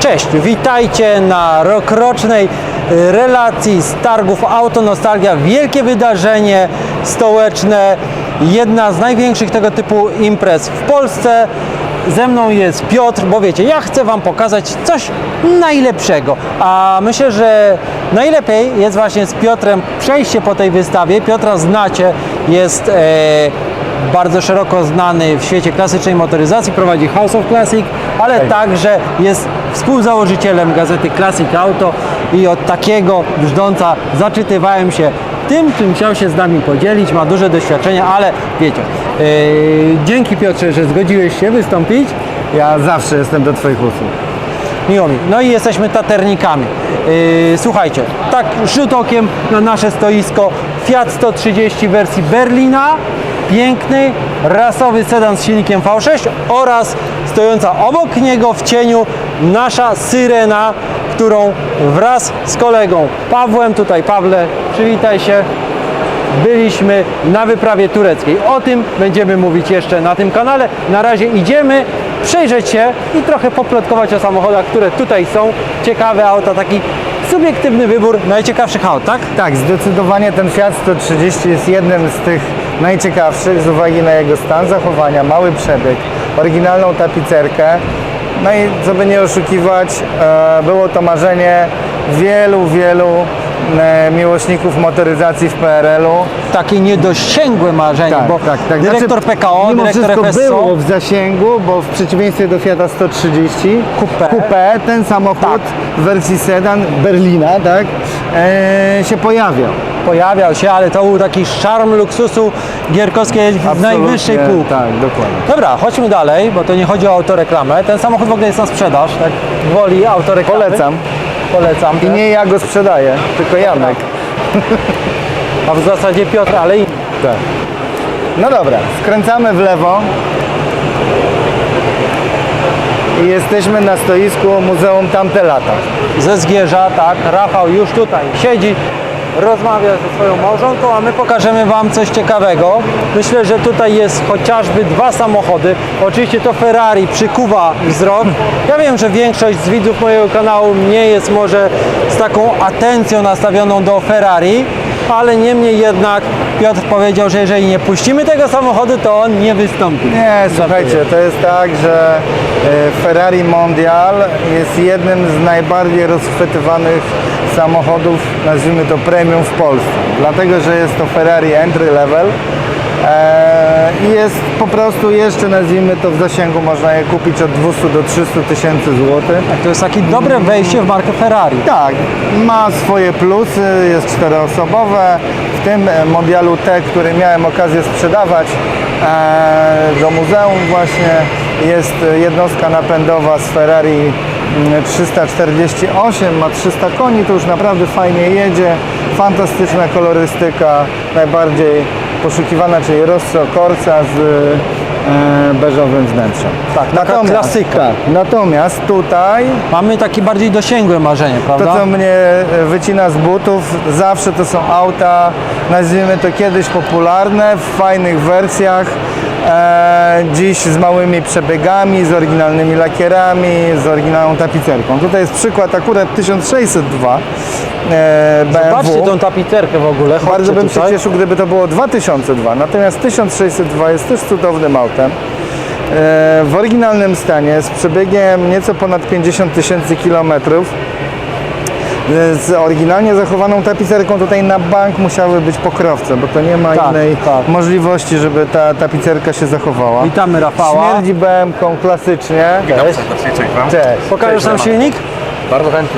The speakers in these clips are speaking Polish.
Cześć, witajcie na rokrocznej relacji z targów Autonostalgia. Wielkie wydarzenie stołeczne, jedna z największych tego typu imprez w Polsce. Ze mną jest Piotr, bo wiecie, ja chcę Wam pokazać coś najlepszego, a myślę, że najlepiej jest właśnie z Piotrem przejście po tej wystawie. Piotra znacie, jest bardzo szeroko znany w świecie klasycznej motoryzacji, prowadzi House of Classic, ale także jest współzałożycielem gazety Classic Auto i od takiego brzdąca zaczytywałem się tym, czym chciał się z nami podzielić, ma duże doświadczenie, ale wiecie, dzięki Piotrze, że zgodziłeś się wystąpić. Ja zawsze jestem do Twoich usług. Miło mi. No i jesteśmy taternikami. Słuchajcie, tak rzut okiem na nasze stoisko Fiat 130 wersji Berlina, piękny, rasowy sedan z silnikiem V6 oraz stojąca obok niego w cieniu nasza Syrena, którą wraz z kolegą Pawłem, tutaj Pawle, przywitaj się, byliśmy na wyprawie tureckiej. O tym będziemy mówić jeszcze na tym kanale. Na razie idziemy przejrzeć się i trochę poplotkować o samochodach, które tutaj są. Ciekawe auta, taki subiektywny wybór najciekawszych aut, tak? Tak, zdecydowanie ten Fiat 130 jest jednym z tych najciekawszych z uwagi na jego stan zachowania, mały przebieg, oryginalną tapicerkę. No i co by nie oszukiwać, było to marzenie wielu miłośników motoryzacji w PRL-u. Takie niedosięgłe marzenie, bo dyrektor Znaczy, PKO, mimo dyrektor wszystko FSO było w zasięgu, bo w przeciwieństwie do Fiata 130 Coupé, ten samochód w wersji sedan Berlina, tak, się pojawiał się, ale to był taki szarm luksusu gierkowskiej w najwyższej półki. Tak, dokładnie. Dobra, chodźmy dalej, bo to nie chodzi o autoreklamę. Ten samochód w ogóle jest na sprzedaż, tak woli autoreklamy. Polecam. I nie ja go sprzedaję, tylko Janek. A w zasadzie Piotr, ale i... Tak. No dobra, skręcamy w lewo i jesteśmy na stoisku Muzeum Tamte Lata. ze Zgierza, tak, Rafał już tutaj siedzi, rozmawia ze swoją małżonką, a my pokażemy Wam coś ciekawego. Myślę, że tutaj jest chociażby dwa samochody. Oczywiście to Ferrari przykuwa wzrok. Ja wiem, że większość z widzów mojego kanału nie jest może z taką atencją nastawioną do Ferrari, ale niemniej jednak Piotr powiedział, że jeżeli nie puścimy tego samochodu, to on nie wystąpi. Nie, słuchajcie, to jest tak, że Ferrari Mondial jest jednym z najbardziej rozchwytywanych samochodów, nazwijmy to premium w Polsce. Dlatego, że jest to Ferrari entry level i jest po prostu jeszcze, nazwijmy to, w zasięgu, można je kupić od 200 do 300 tysięcy złotych. To jest takie dobre wejście w markę Ferrari. Tak, ma swoje plusy, jest czteroosobowe. W tym Mondialu T, który miałem okazję sprzedawać do muzeum właśnie, jest jednostka napędowa z Ferrari 348, ma 300 koni, to już naprawdę fajnie jedzie, fantastyczna kolorystyka, najbardziej poszukiwana, czyli Rosso Corsa z beżowym wnętrzem. Tak, taka klasyka. Tak, natomiast tutaj Mamy takie bardziej dosięgłe marzenie, prawda? to, co mnie wycina z butów, zawsze to są auta, nazwijmy to kiedyś popularne, w fajnych wersjach, dziś z małymi przebiegami, z oryginalnymi lakierami, z oryginalną tapicerką. Tutaj jest przykład akurat 1602 BMW. Zobaczcie tą tapicerkę w ogóle. Chodźcie Bardzo bym się tutaj. cieszył, gdyby to było 2002, natomiast 1602 jest też cudownym autem. W oryginalnym stanie, z przebiegiem nieco ponad 50 tysięcy kilometrów, z oryginalnie zachowaną tapicerką. Tutaj na bank musiały być pokrowce, bo to nie ma innej możliwości, żeby ta tapicerka się zachowała. Witamy Rafała. Śmierdzi BM-ką klasycznie. Witam serdecznie, cześć Wam. Cześć. Pokażesz nam silnik? Bardzo chętnie.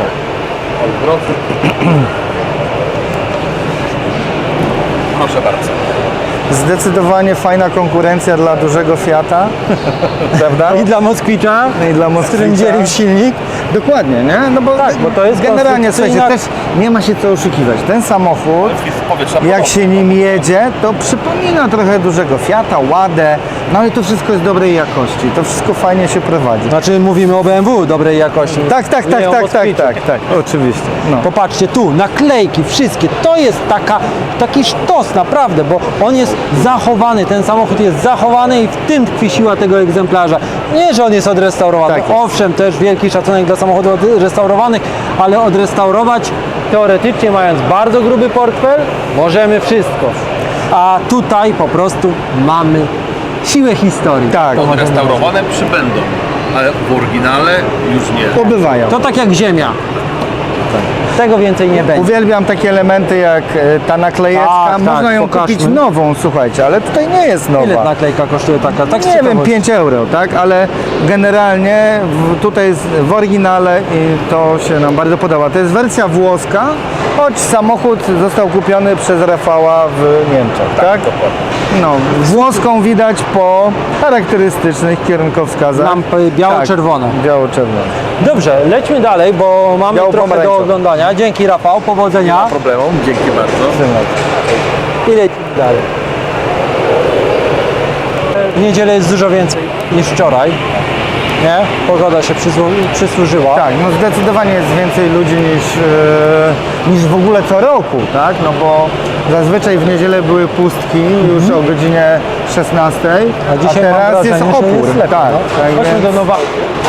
Proszę bardzo. Zdecydowanie fajna konkurencja dla dużego Fiata, prawda? I dla Moskwicza, I dla z którym dzielił silnik. Dokładnie, nie? No bo, Tak, bo to jest generalnie, konstrukcyjna- słuchajcie, też nie ma się co oszukiwać. Ten samochód, jak się nim jedzie, to przypomina trochę dużego Fiata, Ładę, No ale to wszystko jest dobrej jakości, to wszystko fajnie się prowadzi. Znaczy mówimy o BMW dobrej jakości. Tak, Nie o Moskwicie. oczywiście. No. Popatrzcie tu, naklejki, wszystkie, to jest taki sztos naprawdę, bo on jest zachowany, ten samochód jest zachowany i w tym tkwi siła tego egzemplarza. Nie, że on jest odrestaurowany, Tak jest. owszem, też wielki szacunek dla samochodów odrestaurowanych, ale odrestaurować teoretycznie, mając bardzo gruby portfel, możemy wszystko. A tutaj po prostu mamy siłę historii. Tak, Odrestaurowane przybędą, ale w oryginale już nie. pobywają. To tak jak ziemia. Tego więcej nie będzie. Uwielbiam takie elementy jak ta naklejeczka. Tak, Można tak, ją pokażmy. kupić nową, słuchajcie, ale tutaj nie jest nowa. Ile naklejka kosztuje taka? Tak z Nie wiem, ciekawości. 5 euro, tak? Ale generalnie tutaj jest w oryginale i to się nam bardzo podoba. To jest wersja włoska, choć samochód został kupiony przez Rafała w Niemczech, tak? No, włoską widać po charakterystycznych kierunkowskazach. Lampy biało-czerwone. Tak, biało-czerwone. Dobrze, lećmy dalej, bo mamy trochę do Biało-pomarańczowe. oglądania. Dzięki Rafał, powodzenia. Problemu, dzięki bardzo. I lecimy dalej. W niedzielę jest dużo więcej niż wczoraj. Nie? Pogoda się przysłużyła. Tak, no zdecydowanie jest więcej ludzi niż w ogóle co roku, tak? No bo zazwyczaj w niedzielę były pustki już o godzinie 16, A dzisiaj mam teraz wrażenie, jest że opór. lepiej, tak, no. tak Chodźmy więc... do Nowa.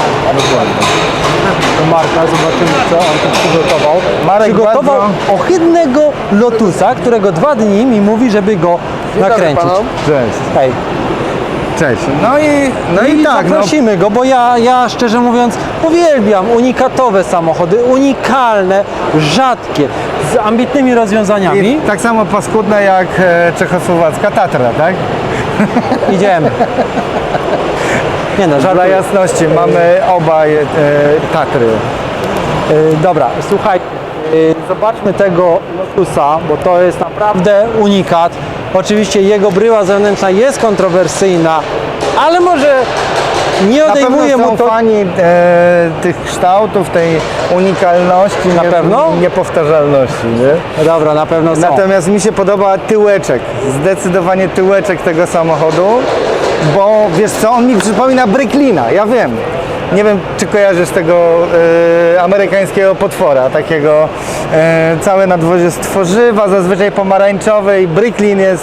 Do Marka, zobaczymy co on tu przygotował. Marek Przygotował bardzo- ohydnego Lotusa, którego 2 dni mi mówi, żeby go nakręcić. Cześć. Hej. Cześć. No i tak, no, zaprosimy go, bo ja szczerze mówiąc uwielbiam unikatowe samochody, unikalne, rzadkie, z ambitnymi rozwiązaniami. i tak samo paskudne jak czechosłowacka Tatra, tak? Idziemy. Nie no, Dla żartuję. jasności, mamy obaj Tatry. Dobra, słuchaj, zobaczmy tego Lotusa, bo to jest naprawdę unikat. Oczywiście jego bryła zewnętrzna jest kontrowersyjna, ale może nie Na odejmuje pewno mu są to... fani tych kształtów, tej unikalności, Na pewno? niepowtarzalności, nie? Dobra, na pewno są. Natomiast mi się podoba tyłeczek, zdecydowanie tyłeczek tego samochodu, bo wiesz co, on mi przypomina Bricklina, ja wiem. Nie wiem, czy kojarzysz tego amerykańskiego potwora, takiego całe nadwozie z tworzywa, zazwyczaj pomarańczowe i Bricklin jest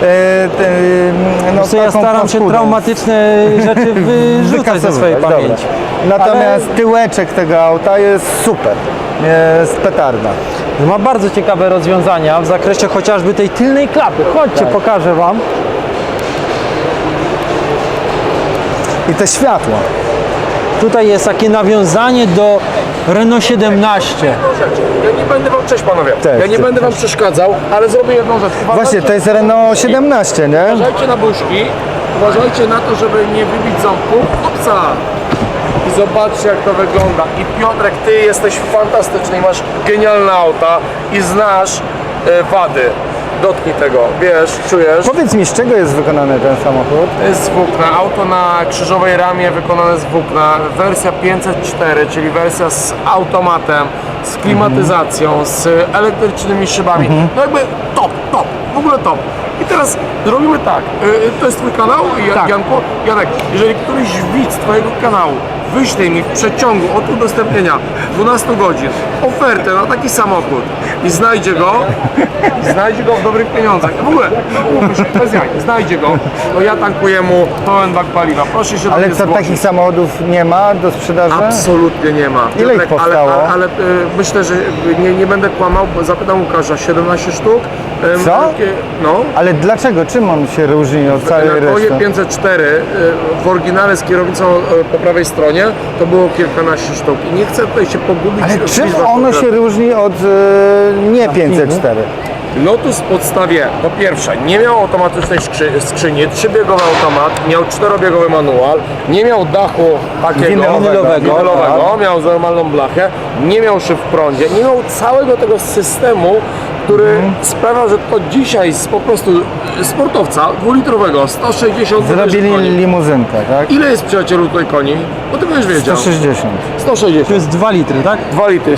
no, Co ja taką staram się paskudą. traumatyczne rzeczy wyrzucać ze swojej Dobra. pamięci. Natomiast tyłeczek tego auta jest super, jest petarda. Ma bardzo ciekawe rozwiązania w zakresie chociażby tej tylnej klapy. Chodźcie, Tak. pokażę Wam. I te światła. Tutaj jest takie nawiązanie do Renault 17. Ja nie będę wam, cześć panowie, Cześć, ja nie cześć. będę wam przeszkadzał, ale zrobię jedną rzecz. Właśnie, to jest Renault 17, nie? Uważajcie na buźki, uważajcie na to, żeby nie wybić ząbków. Opsa! I zobaczcie jak to wygląda. I Piotrek, ty jesteś fantastyczny i masz genialne auta i znasz wady. Dotknij tego, wiesz, czujesz? Powiedz mi, z czego jest wykonany ten samochód? To jest z włókna, auto na krzyżowej ramie wykonane z włókna, wersja 504, czyli wersja z automatem, z klimatyzacją, z elektrycznymi szybami, no jakby top, w ogóle top. I teraz zrobimy tak, to jest twój kanał, Tak. Janku? Janek, jeżeli któryś widz twojego kanału wyślij mi w przeciągu od udostępnienia 12 godzin ofertę na taki samochód i znajdzie go w dobrych pieniądzach. W ogóle, umówmy się, bez jaj, znajdzie go, to ja tankuję mu pełen bak paliwa. Proszę się do Ale mnie co, zgłosić. takich samochodów nie ma do sprzedaży? Absolutnie nie ma. Ile ich Piotrek, powstało? Ale myślę, że nie będę kłamał, bo zapytam Łukasza, 17 sztuk. Co? No. Ale dlaczego? Czym on się różni od całej Na Koje reszty? 504 w oryginale z kierownicą po prawej stronie to było kilkanaście sztuk i nie chcę tutaj się pogubić. Ale w czym liczbach ono się konkretnych. różni od nie 504? Lotus w podstawie, po pierwsze, nie miał automatycznej skrzyni, 3-biegowy automat, miał 4-biegowy manual, nie miał dachu takiego Winylowego, miał normalną blachę, nie miał szyb w prądzie, nie miał całego tego systemu, który sprawia, że to dzisiaj z po prostu sportowca dwulitrowego 160 Zrobili koni. limuzynkę, tak? Ile jest, przyjacielu, tutaj koni? Bo ty będziesz wiedział. 160. 160. To jest 2 litry, tak? 2 litry,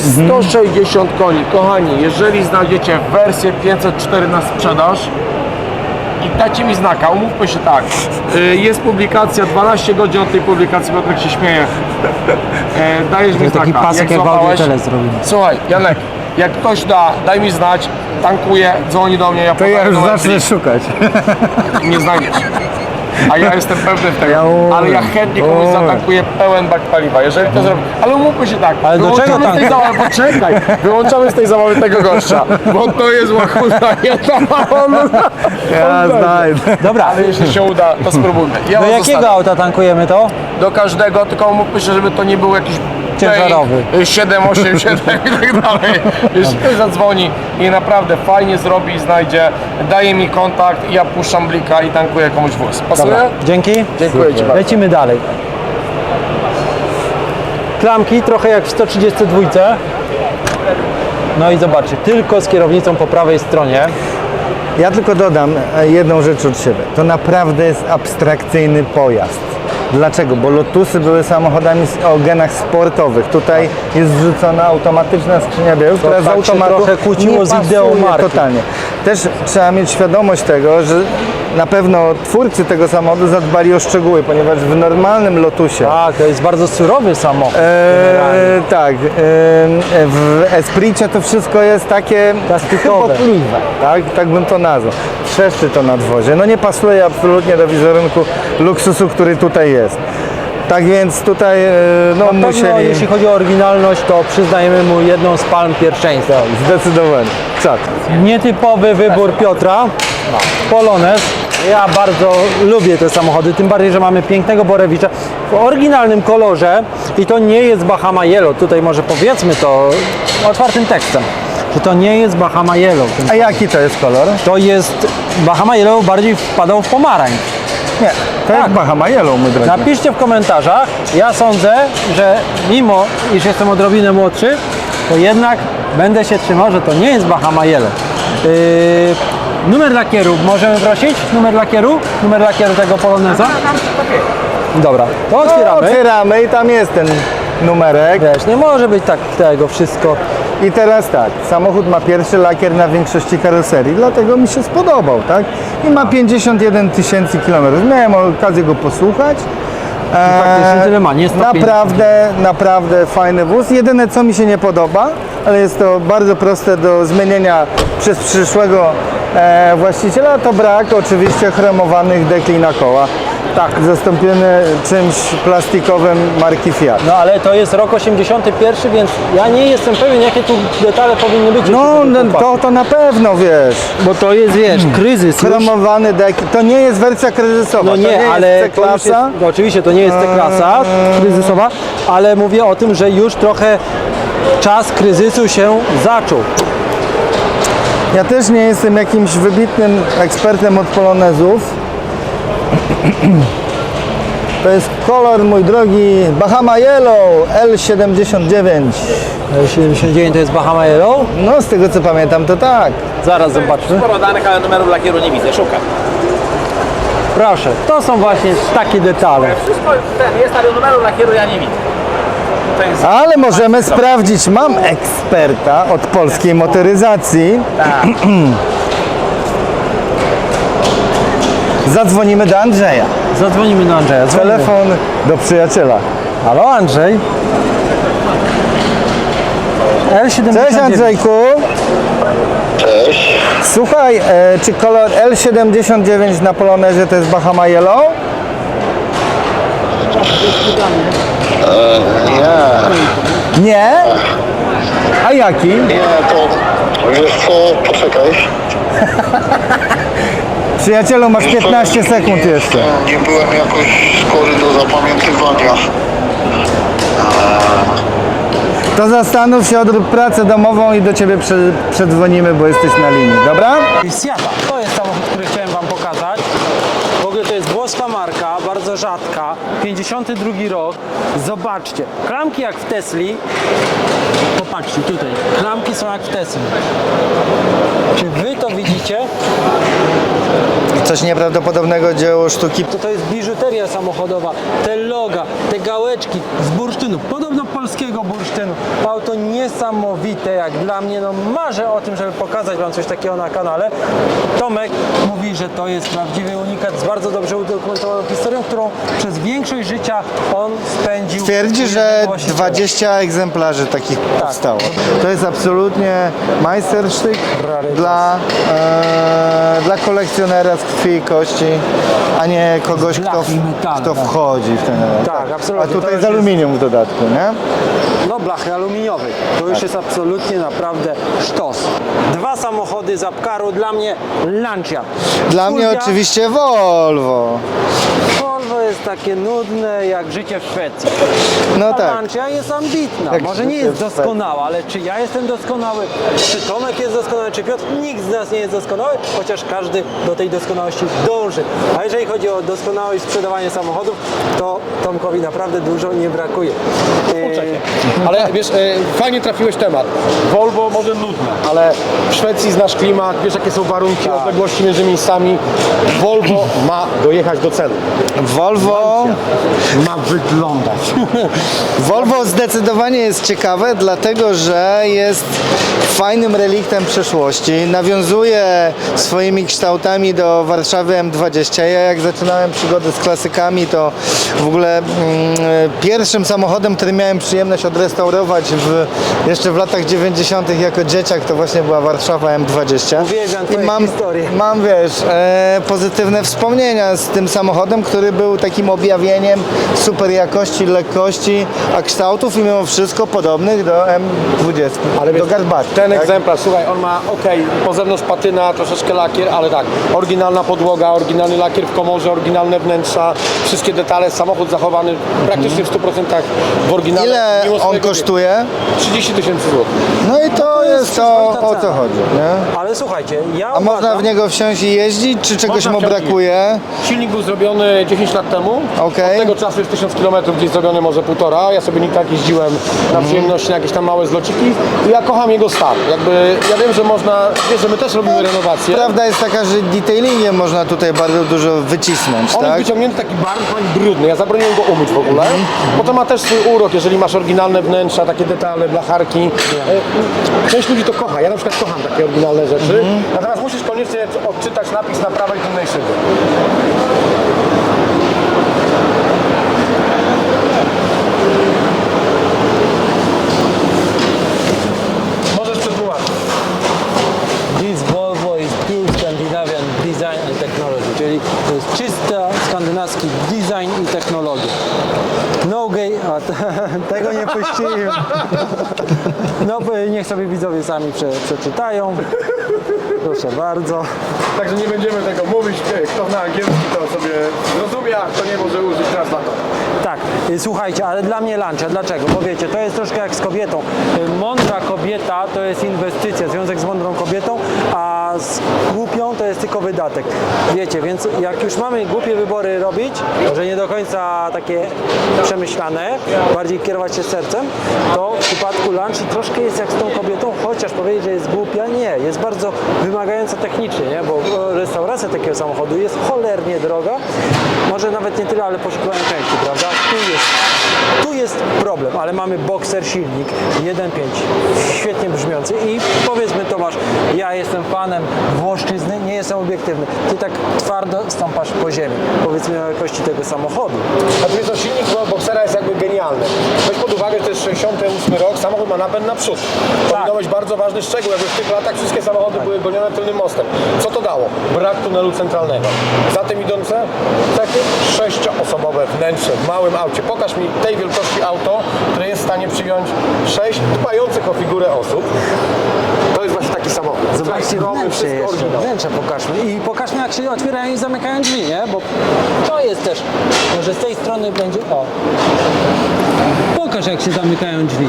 160 koni. Kochani, jeżeli znajdziecie wersję 504 na sprzedaż, i dajcie mi znaka, umówmy się tak. Jest publikacja, 12 godzin od tej publikacji, Piotrek się śmieje. Dajesz mi znaka. Taki pasek jak w złapałeś- Audiotele zrobimy. Słuchaj, Janek, jak ktoś da, daj mi znać, tankuję, dzwoni do mnie, ja To ja podaję już numer zacznę szukać. nie znajdziesz. A ja jestem pewny tego, Ja ale ja chętnie komuś zatankuję pełen bak paliwa, jeżeli to zrobię. Ale umówmy się tak, Ale do czego wyłączamy z tej tank? zabawy, poczekaj, wyłączamy z tej zabawy tego gościa, bo to jest łachuda, Ja znajdę. Dobra, ale jeśli się uda, to spróbujmy. Ja do was jakiego zostawię. auta tankujemy to? Do każdego, tylko umówmy się, żeby to nie był jakiś Ciężarowy. 7, 8, 7 i tak dalej. Jeśli ktoś zadzwoni i naprawdę fajnie zrobi i znajdzie, daje mi kontakt, ja puszczam blika i tankuję komuś wóz. Pasuje? Dobra, dzięki. Dziękuję Ci bardzo. Lecimy dalej. Klamki trochę jak w 132. No i zobaczcie, tylko z kierownicą po prawej stronie. Ja tylko dodam jedną rzecz od siebie. To naprawdę jest abstrakcyjny pojazd. Dlaczego? Bo Lotusy były samochodami o genach sportowych. Tutaj jest wrzucona automatyczna skrzynia biegów, która z tak się automatu trochę kłóciło nie z pasuje ideą marki. totalnie. Też trzeba mieć świadomość tego, że na pewno twórcy tego samochodu zadbali o szczegóły, ponieważ w normalnym Lotusie Tak, to jest bardzo surowy samochód. generalnie. tak, w Espricie to wszystko jest takie Plastikowe. chybotliwe, tak bym to nazwał. Trzeszczy to nadwozie. No nie pasuje absolutnie do wizerunku luksusu, który tutaj jest. Tak więc tutaj no, Na pewno, musieli jeśli chodzi o oryginalność, to przyznajemy mu jedną z palm pierwszeństwa. zdecydowanie. Czad. Nietypowy wybór Piotra. Polonez. Ja bardzo lubię te samochody, tym bardziej, że mamy pięknego Borewicza w oryginalnym kolorze i to nie jest Bahama Yellow. Tutaj może powiedzmy to otwartym tekstem, że to nie jest Bahama Yellow. A jaki to jest kolor? To jest Bahama Yellow, bardziej wpadał w pomarańcz. Nie, to jest Bahama Yellow, mój drogi. Napiszcie w komentarzach. Ja sądzę, że mimo iż jestem odrobinę młodszy, to jednak będę się trzymał, że to nie jest Bahama Yellow. Numer lakieru możemy prosić? Numer lakieru? Numer lakieru tego Poloneza? Dobra, to No, otwieramy. otwieramy i tam jest ten numerek. Wiesz, nie może być tak tego wszystko. I teraz tak, samochód ma pierwszy lakier na większości karoserii, dlatego mi się spodobał, tak? I ma 51 tysięcy kilometrów. Miałem okazję go posłuchać. faktycznie tyle ma, nie 150. Naprawdę fajny wóz. Jedyne co mi się nie podoba, ale jest to bardzo proste do zmienienia przez przyszłego właściciela, to brak oczywiście chromowanych dekli na koła. Tak, zastąpiony czymś plastikowym marki Fiat. No ale to jest rok 81, więc ja nie jestem pewien, jakie tu detale powinny być. No, jeśli chodzi o chłopaków. to na pewno, wiesz. Bo to jest, wiesz, kryzys już. Chromowany dek. To nie jest wersja kryzysowa. No to nie, ale jest to już jest, C-klasa. no oczywiście to nie jest C-klasa kryzysowa, ale mówię o tym, że już trochę czas kryzysu się zaczął. Ja też nie jestem jakimś wybitnym ekspertem od polonezów. To jest kolor, mój drogi, Bahama Yellow L79. 79 to jest Bahama Yellow. No, z tego co pamiętam, to tak. Zaraz zobaczmy. Sporo danych, ale numeru lakieru nie widzę, szukam. Proszę, to są właśnie takie detale. Wszystko jest, ale numeru lakieru ja nie widzę. To jest... Ale możemy sprawdzić. Mam eksperta od polskiej motoryzacji. Tak. Zadzwonimy do Andrzeja. Zadzwonimy do Andrzeja. Dzwonimy. Telefon do przyjaciela. Halo Andrzej. L79. Cześć Andrzejku. Cześć. Słuchaj, czy kolor L79 na Polonezie to jest Bahama Yellow? Nie, Nie? A jaki? nie, to wiesz co, poczekaj. Przyjacielu, masz 15 sekund jeszcze. Nie byłem jakoś skory do zapamiętywania. To zastanów się, odrób pracę domową i do Ciebie przedzwonimy, bo jesteś na linii, dobra? Seata. To jest samochód, który chciałem Wam pokazać. W ogóle to jest włoska marka, bardzo rzadka. 52 rok. Zobaczcie. Klamki jak w Tesli. Popatrzcie tutaj. Klamki są jak w Tesli. Czy Wy to widzicie? Coś nieprawdopodobnego dzieło sztuki. To jest biżuteria samochodowa. Te loga, te gałeczki z bursztynu. Podobno polskiego bursztynu. Auto niesamowite, jak dla mnie, no marzę o tym, żeby pokazać Wam coś takiego na kanale. Tomek mówi, że to jest prawdziwy unikat z bardzo dobrze udokumentowaną historią, którą przez większość życia on spędził. Twierdzi, u że jednego właściciela. 20 egzemplarzy takich powstało. To jest absolutnie majstersztyk dla kolekcjonera z krwi i kości, a nie kogoś, Blachy i metale, kto tak. wchodzi w ten element. Tak, absolutnie. A To tutaj już z aluminium w dodatku, nie? No blachy aluminiowej. To już jest absolutnie naprawdę sztos. Dwa samochody z Apcaru, dla mnie Lancia. Dla mnie Fulvia, oczywiście Volvo. Volvo jest takie nudne jak życie w Szwecji. No A tak. Lancia jest ambitna. Jak Może nie życie jest w Szwecji. doskonała, ale czy ja jestem doskonały, czy Tomek jest doskonały, czy Piotr? Nikt z nas nie jest doskonały, chociaż każdy do tej doskonałości dąży. A jeżeli chodzi o doskonałość sprzedawania samochodów, to Tomkowi naprawdę dużo nie brakuje. Ale wiesz, fajnie trafiłeś temat. Volvo może nudne, ale w Szwecji znasz klimat, wiesz jakie są warunki, odległości między miejscami. Volvo ma dojechać do celu. Volvo Ma wyglądać. Volvo zdecydowanie jest ciekawe, dlatego że jest fajnym reliktem przeszłości. Nawiązuje swoimi kształtami do Warszawy M20. Ja jak zaczynałem przygodę z klasykami, to w ogóle pierwszym samochodem, który miałem przyjemność odrestaurować jeszcze w latach 90. jako dzieciak, to właśnie była Warszawa M20. Uwielbiam I twoje historie. mam, wiesz, pozytywne wspomnienia z tym samochodem, który był takim objawieniem super jakości, lekkości, a kształtów i mimo wszystko podobnych do M20, Ale do wiesz, Garbati. ten tak? egzemplarz, słuchaj, on ma po zewnątrz patyna, troszeczkę lakier, ale tak, oryginalna podłoga, oryginalny lakier w komorze, oryginalne wnętrza, wszystkie detale, samochód zachowany praktycznie w 100% w oryginale. Ile mimo on swojego kosztuje? wieku. 30 000 złotych. No i to jest to, przyzwoita o co cena. chodzi, nie? Ale słuchajcie, ja A można uważam, w niego wsiąść i jeździć, czy czegoś Można mu wsiąść i brakuje? Silnik był zrobiony 10 lat temu. Okej. Od tego czasu jest 1000 km, gdzieś zrobiony może 1,5. Ja sobie nie tak jeździłem na przyjemności, na jakieś tam małe zlociki i ja kocham jego stan. Jakby, ja wiem, że można, wiesz, że my też robimy renowację. Prawda jest taka, że detailingiem można tutaj bardzo dużo wycisnąć, On jest tak? wyciągnięty taki bardzo brudny, ja zabroniłem go umyć w ogóle, bo to ma też swój urok, jeżeli masz oryginalne wnętrza, takie detale, blacharki. Część ludzi to kocha, ja na przykład kocham takie oryginalne rzeczy, natomiast musisz koniecznie odczytać napis na prawej tylnej szybie. Możesz przetłumaczyć. This Volvo is pure Scandinavian design and technology, czyli to jest czysta skandynawski design i technologia. No gay, tego nie puściłem. No niech sobie widzowie sami przeczytają. Proszę bardzo. Także nie będziemy tego mówić, kto zna angielski to sobie zrozumie, a kto nie może użyć translatora. Tak, słuchajcie, ale dla mnie Lancia, dlaczego? Bo wiecie, to jest troszkę jak z kobietą. Mądra kobieta to jest inwestycja, związek z mądrą kobietą, a z głupią to jest tylko wydatek. Wiecie, więc jak już mamy głupie wybory robić, że nie do końca takie przemyślane, bardziej kierować się sercem, to w przypadku Lanci troszkę jest jak z tą kobietą, chociaż powiedzieć, że jest głupia, nie, jest bardzo wymagająca technicznie, nie? Bo restauracja takiego samochodu jest cholernie droga, może nawet nie tyle, ale poszukiwanie części, prawda? Tu jest problem, ale mamy Boxer silnik 1.5, świetnie brzmiący i powiedzmy Tomasz, ja jestem fanem Włoszczyzny, nie jestem obiektywny, ty tak twardo stąpasz po ziemi, powiedz mi o jakości tego samochodu. A tu jest to silnik Boxera jest jakby genialny. Weź pod uwagę, że to jest 68 rok, samochód ma napęd na przód. To powinno być bardzo ważny szczegół, jakby w tych latach wszystkie samochody były gonione tylnym mostem. Co to dało? Brak tunelu centralnego. Za tym idące takie 6-osobowe wnętrze w małym aucie. Pokaż mi tej wielkości auto, które jest w stanie przyjąć 6 dbających o figurę osób. To jest właśnie taki samochód. Zobaczcie wnętrze wszystko jeszcze, oryginał. wnętrze pokażmy i pokażmy jak się otwierają i zamykają drzwi, nie? Bo to jest też, może z tej strony będzie, o. Pokaż jak się zamykają drzwi.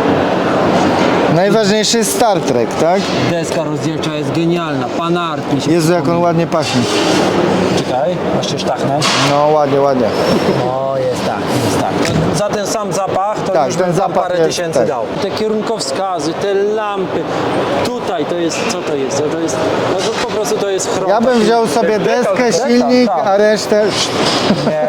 Najważniejszy jest Star Trek, tak? Deska rozdzielcza jest genialna, panart mi się Jezu, jak on ładnie pachnie. Czekaj, masz się sztachnąć. No ładnie, ładnie. O, jest tak, jest tak. Za ten sam zapach to Tak, już ten bym tam zapach parę jest, tysięcy tak. dał. Te kierunkowskazy, te lampy, tutaj to jest, co to jest? To jest, no to po prostu to jest chrom. Ja bym wziął sobie deskę, silnik, tak. a resztę... Nie,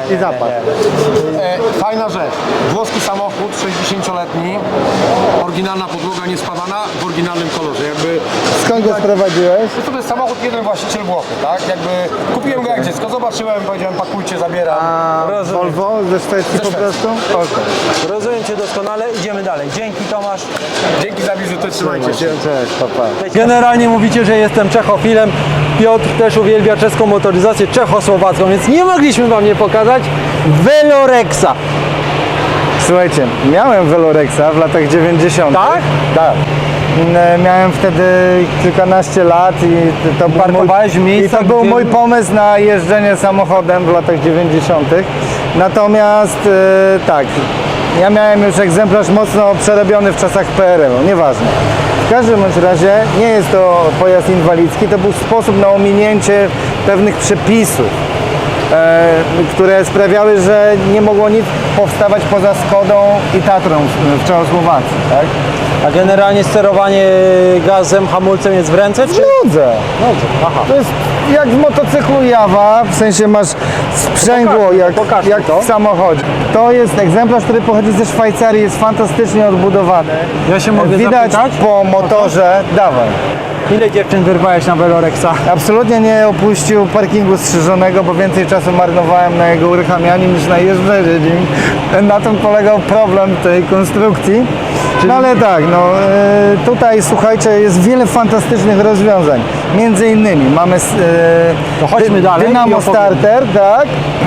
i zapadł. Fajna rzecz. Włoski samochód, 60-letni, oryginalna podłoga niespawana, w oryginalnym kolorze. Jakby Skąd go sprowadziłeś? to jest samochód, jeden właściciel Włochy, tak? Jakby kupiłem go jak dziecko, zobaczyłem, powiedziałem pakujcie, zabieram. A Rozumiem. Volvo ze Szwecji po prostu? Okej. Rozumiem Cię doskonale, idziemy dalej. Dzięki Tomasz. Dzięki za wizytę, trzymajcie się. Cześć, papa. Generalnie mówicie, że jestem czechofilem. Piotr też uwielbia czeską motoryzację czechosłowacką, więc nie mogliśmy Wam nie pokazać Velorexa. Słuchajcie, miałem Velorexa w latach 90. Tak? Tak. Miałem wtedy kilkanaście lat i to był Parkowałeś w mój, i miejscach, to był gdzie- mój pomysł na jeżdżenie samochodem w latach 90. Natomiast tak, ja miałem już egzemplarz mocno przerobiony w czasach PRL-u, nieważne. W każdym bądź razie nie jest to pojazd inwalidzki, to był sposób na ominięcie pewnych przepisów, które sprawiały, że nie mogło nic powstawać poza Skodą i Tatrą w Czechosłowacji. Tak? A generalnie sterowanie gazem, hamulcem jest w ręce, czy? Nudzę. Aha. To jest jak w motocyklu Jawa, w sensie masz sprzęgło Pokaż mi jak to. w samochodzie. To jest egzemplarz, który pochodzi ze Szwajcarii, jest fantastycznie odbudowany. Ja się mogę Widać zapytać? po motorze, dawaj. Ile dziewczyn wyrwałeś na Velorexa? Absolutnie nie opuścił parkingu strzyżonego, bo więcej czasu marnowałem na jego uruchamianiu niż na jeżdżeniu nim. Na tym polegał problem tej konstrukcji. No ale tak, no tutaj słuchajcie, jest wiele fantastycznych rozwiązań. Między innymi mamy To chodźmy dalej i Dynamo opowiemy. Starter, tak?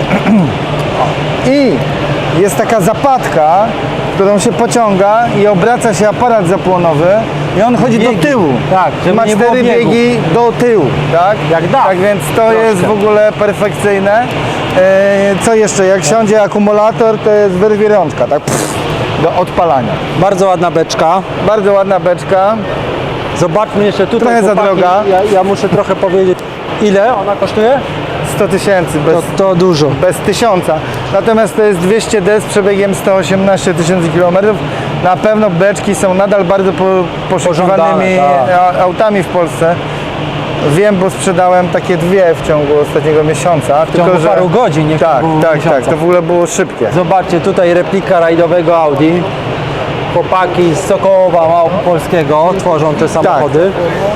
I jest taka zapadka, którą się pociąga i obraca się aparat zapłonowy i on chodzi Biegi. do tyłu. Tak, żeby ma nie było 4 biegu. biegi do tyłu, tak? Jak da. Tak więc to jest w ogóle perfekcyjne. Co jeszcze? Jak siądzie akumulator, to jest wyrwie rączka, tak? Pff, do odpalania. Bardzo ładna beczka. Bardzo ładna beczka. Zobaczmy jeszcze tutaj. Trochę za chłopaki. droga. Ja muszę trochę powiedzieć. Ile ona kosztuje? 100 tysięcy To dużo. bez 1000. Natomiast to jest 200D z przebiegiem 118 tysięcy kilometrów. Na pewno beczki są nadal bardzo poszukiwanymi Pożądane, autami w Polsce. Wiem, bo sprzedałem takie dwie w ciągu ostatniego miesiąca. W ciągu paru godzin, nie w Tak, ciągu tak, miesiąca. tak. To w ogóle było szybkie. Zobaczcie, tutaj replika rajdowego Audi. Chłopaki z Sokołowa Małopolskiego tworzą te samochody.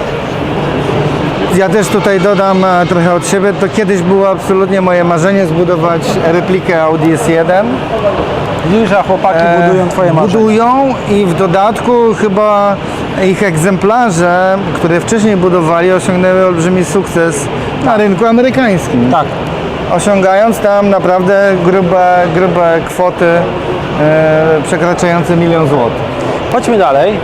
Ja też tutaj dodam trochę od siebie. To kiedyś było absolutnie moje marzenie zbudować replikę Audi S1. Widzisz, a chłopaki budują twoje marzenia. Budują i w dodatku chyba ich egzemplarze, które wcześniej budowali, osiągnęły olbrzymi sukces na rynku amerykańskim. Tak. Osiągając tam naprawdę grube kwoty przekraczające 1 000 000 złotych. Chodźmy dalej.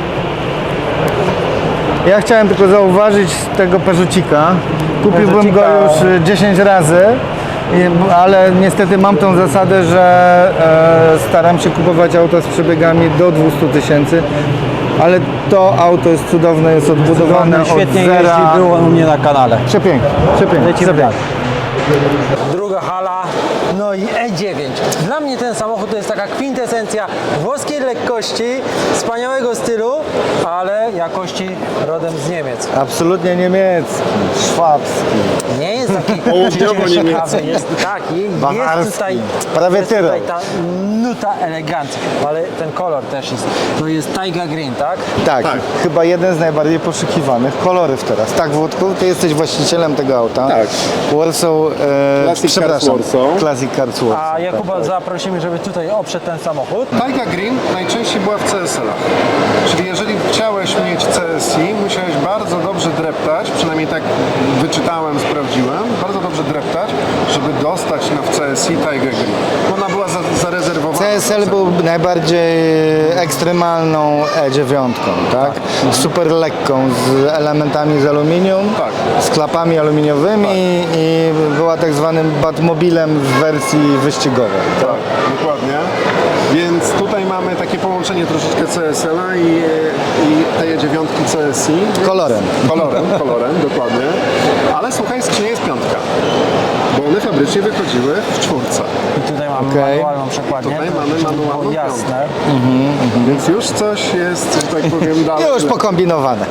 Ja chciałem tylko zauważyć tego Peugeotika. Kupiłbym go Peugeotika. już 10 razy, ale niestety mam tą zasadę, że staram się kupować auta z przebiegami do 200 tysięcy. Ale to auto jest cudowne, jest odbudowane od Świetnie zera. jeździ, było u mnie na kanale. Przepięknie, przepięknie. Lecimy przepięknie. Druga hala, no i E9. Dla mnie ten samochód to jest taka kwintesencja włoskiej lekkości, wspaniałego stylu, ale jakości rodem z Niemiec. Absolutnie niemiecki, szwabski, Nie jest taki Południowo-niemiecki. jest bawarski, jest tutaj, prawie jest Tyrol. tutaj ta nuta elegancji, ale ten kolor też jest, to jest Taiga Green, tak? Tak, chyba jeden z najbardziej poszukiwanych kolorów teraz. Tak, Włodku, ty jesteś właścicielem tego auta. Tak. Warsaw, Classic Cars Warsaw. Classic Cars Warsaw. A Jakuba zaprosimy, żeby tutaj oprzeć ten samochód. Taiga Green najczęściej była w CSL-ach. Czyli jeżeli chciałeś mieć CSI, musiałeś bardzo dobrze dreptać, przynajmniej tak wyczytałem, sprawdziłem, bardzo dobrze dreptać, żeby dostać w CSI Taiga Green. Ona była zarezerwowana. CSL był najbardziej ekstremalną E9, tak? Super lekką, z elementami z aluminium, Tak. z klapami aluminiowymi i była tak zwanym Batmobilem w wersji wyścigowej. Tak, dokładnie. Więc tutaj mamy takie połączenie troszeczkę CSL-a i te dziewiątki CSI. Kolorem. Kolorem, dokładnie. Ale słuchaj, skrzynia jest piątka. Bo one fabrycznie wychodziły w czwórce. I tutaj mamy Okej. manualną przekładnię. Tutaj to mamy żeby było manualną jasne. Więc już coś jest, że tak powiem, dalej. Już pokombinowane.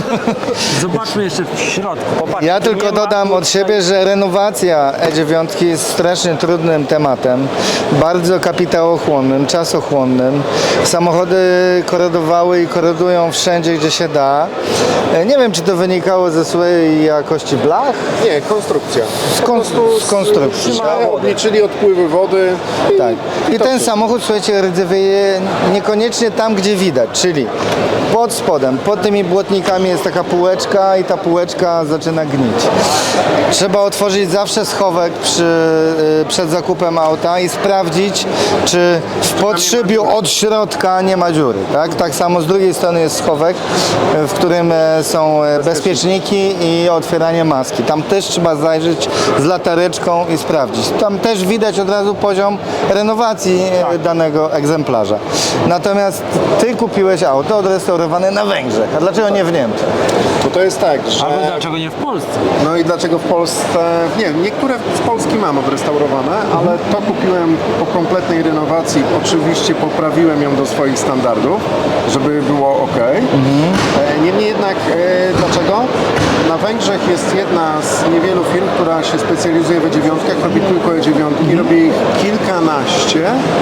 Zobaczmy jeszcze w środku. Popatrzcie, Ja tylko nie ma dodam od tutaj- siebie, że renowacja E9 jest strasznie trudnym tematem, bardzo kapitałochłonnym, czasochłonnym. Samochody korodowały i korodują wszędzie, gdzie się da. Nie wiem, czy to wynikało ze złej jakości blach, Nie, konstrukcja. z konstrukcji. Tak? Obliczyli odpływy wody. Tak. I ten samochód, słuchajcie, rdzewieje niekoniecznie tam, gdzie widać, czyli pod spodem, pod tymi błotnikami jest taka półeczka i ta półeczka zaczyna gnić. Trzeba otworzyć zawsze schowek przed zakupem auta i sprawdzić, czy w podszybiu od środka nie ma dziury. Tak samo z drugiej strony jest schowek, w którym są bezpieczniki i otwieranie maski. Tam też trzeba zajrzeć z latareczką i sprawdzić. Tam też widać od razu poziom renowacji danego egzemplarza. Natomiast ty kupiłeś auto odrestaurowane na Węgrzech. A dlaczego nie w Niemczech? Bo to jest tak, że... Ale dlaczego nie w Polsce? No i dlaczego w Polsce... Nie, niektóre z Polski mam odrestaurowane, ale to kupiłem po kompletnej renowacji. Oczywiście poprawiłem ją do swoich standardów, żeby było ok. Niemniej jednak, dlaczego? Na Węgrzech jest jedna z niewielu firm, która się specjalizuje w E9, robi tylko E9, robi ich kilkanaście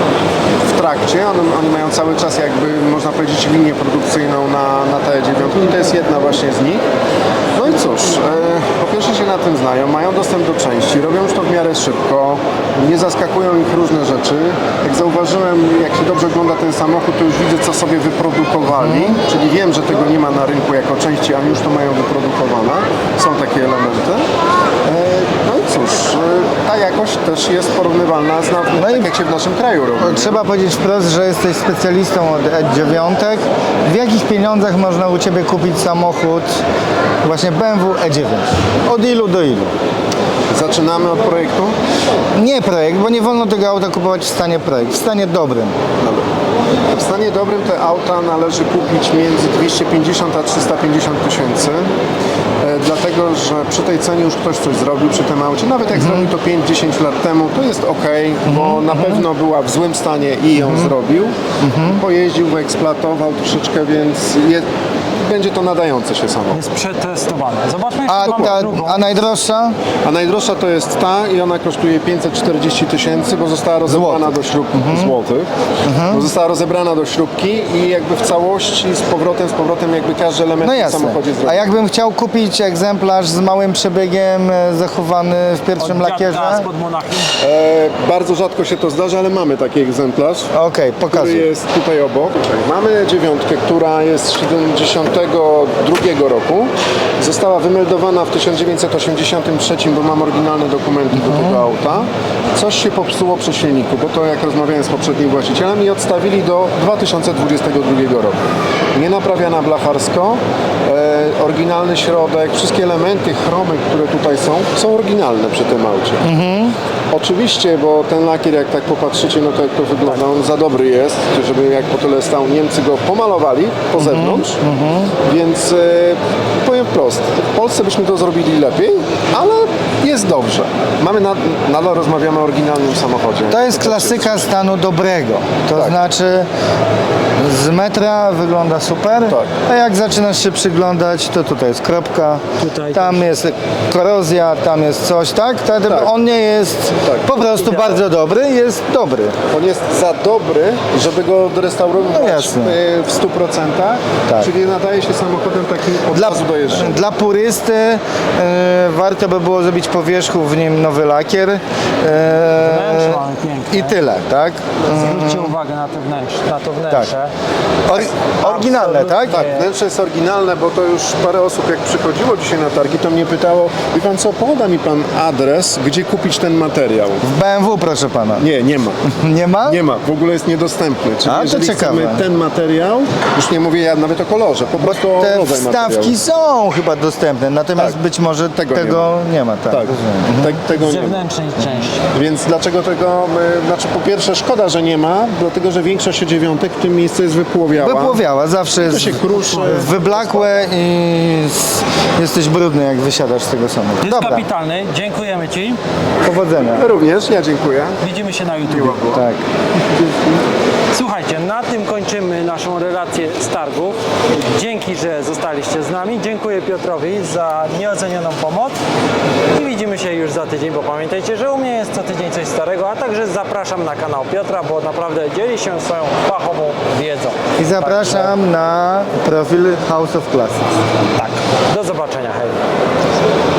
w trakcie. Oni mają cały czas jakby, można powiedzieć, linię produkcyjną na te E9 i to jest jedna właśnie z nich. No i cóż, po pierwsze się na tym znają, mają dostęp do części, robią już to w miarę szybko, nie zaskakują ich różne rzeczy. Jak zauważyłem, jak się dobrze ogląda ten samochód, to już widzę, co sobie wyprodukowali, czyli wiem, że tego nie ma na rynku jako części, a już to mają wyprodukowane. Są takie elementy. No i cóż, ta jakość też jest porównywalna z tak jak się w naszym kraju robi. Trzeba powiedzieć wprost, że jesteś specjalistą od E9. W jakich pieniądzach można u Ciebie kupić samochód właśnie BMW E9? Od ilu do ilu? Zaczynamy od projektu. Nie projekt, bo nie wolno tego auta kupować w stanie projekt, w stanie dobrym. Dobra. W stanie dobrym te auta należy kupić między 250 a 350 tysięcy. Dlatego, że przy tej cenie już ktoś coś zrobił przy tym aucie. Nawet jak zrobił to 5-10 lat temu, to jest ok, bo na pewno była w złym stanie i ją zrobił. Pojeździł, wyeksploatował troszeczkę, więc będzie to nadające się samochód. Jest przetestowane. Zobaczmy jeszcze tą drugą. A najdroższa? A najdroższa to jest ta i ona kosztuje 540 tysięcy, bo została rozebrana do śrubki złotych. Bo została rozebrana do śrubki i jakby w całości z powrotem jakby każdy element No w jasne. samochodzie zrobił. A jakbym chciał kupić egzemplarz z małym przebiegiem, zachowany w pierwszym lakierze? Spod Monachium. Bardzo rzadko się to zdarza, ale mamy taki egzemplarz, Okej, który pokazuj. jest tutaj obok. Mamy dziewiątkę, która jest z 72 roku. Została wymeldowana w 1983, bo mam oryginalne dokumenty do tego auta. Coś się popsuło przy silniku, bo to jak rozmawiałem z poprzednim właścicielem i odstawili do 2022 roku. Nie naprawiana blacharsko, oryginalny środek, wszystkie elementy, chromy, które tutaj są oryginalne przy tym aucie. Oczywiście, bo ten lakier, jak tak popatrzycie, no to jak to wygląda, on za dobry jest, żeby jak po tyle stał, Niemcy go pomalowali po zewnątrz, więc powiem wprost, w Polsce byśmy to zrobili lepiej, ale jest dobrze. Nadal rozmawiamy o oryginalnym samochodzie. To jest klasyka stanu dobrego. To Tak. znaczy z metra wygląda super, Tak. a jak zaczynasz się przyglądać, to tutaj jest kropka, Tutaj tam jest korozja, tam jest coś, tak? On nie jest Tak. po prostu bardzo dobry, jest dobry. On jest za dobry, żeby go odrestaurować No jasne. w 100%, Tak. czyli nadaje się samochodem takim od razu do jeżdżenia. Dla purysty warto by było zrobić po wierzchu w nim nowy lakier Wnętrze mamy piękne. i tyle, tak? Zwróćcie uwagę na to wnętrze. Oryginalne, tak? Tak, wnętrze jest oryginalne, bo to już parę osób jak przychodziło dzisiaj na targi, to mnie pytało, wie pan co, poda mi pan adres, gdzie kupić ten materiał? W BMW, proszę pana. Nie ma. Nie ma? Nie ma, w ogóle jest niedostępny. Czyli A, to jeżeli ciekawe. chcemy ten materiał, już nie mówię ja nawet o kolorze, po prostu o Te rodzaj wstawki materiału. są, są chyba dostępne, natomiast Tak. być może tego nie ma. Tak, Tak, rozumiem. tego nie ma. Zewnętrznej części. Więc dlaczego tego, znaczy po pierwsze szkoda, że nie ma, dlatego że większość dziewiątek w tym miejscu jest wypłowiała. Wypłowiała, zawsze jest się kruszy. wyblakłe i jesteś brudny, jak wysiadasz z tego samochodu. Jest Dobra, kapitalny, dziękujemy Ci. powodzenia. Również, ja dziękuję. Widzimy się na YouTube. Tak. Słuchajcie, na tym kończymy naszą relację z targów. Dzięki, że zostaliście z nami. Dziękuję Piotrowi za nieocenioną pomoc i widzimy się już za tydzień, bo pamiętajcie, że u mnie jest co tydzień coś starego, a także zapraszam na kanał Piotra, bo naprawdę dzieli się swoją fachową wiedzą. I zapraszam na profil House of Classics. Tak, do zobaczenia. Hej.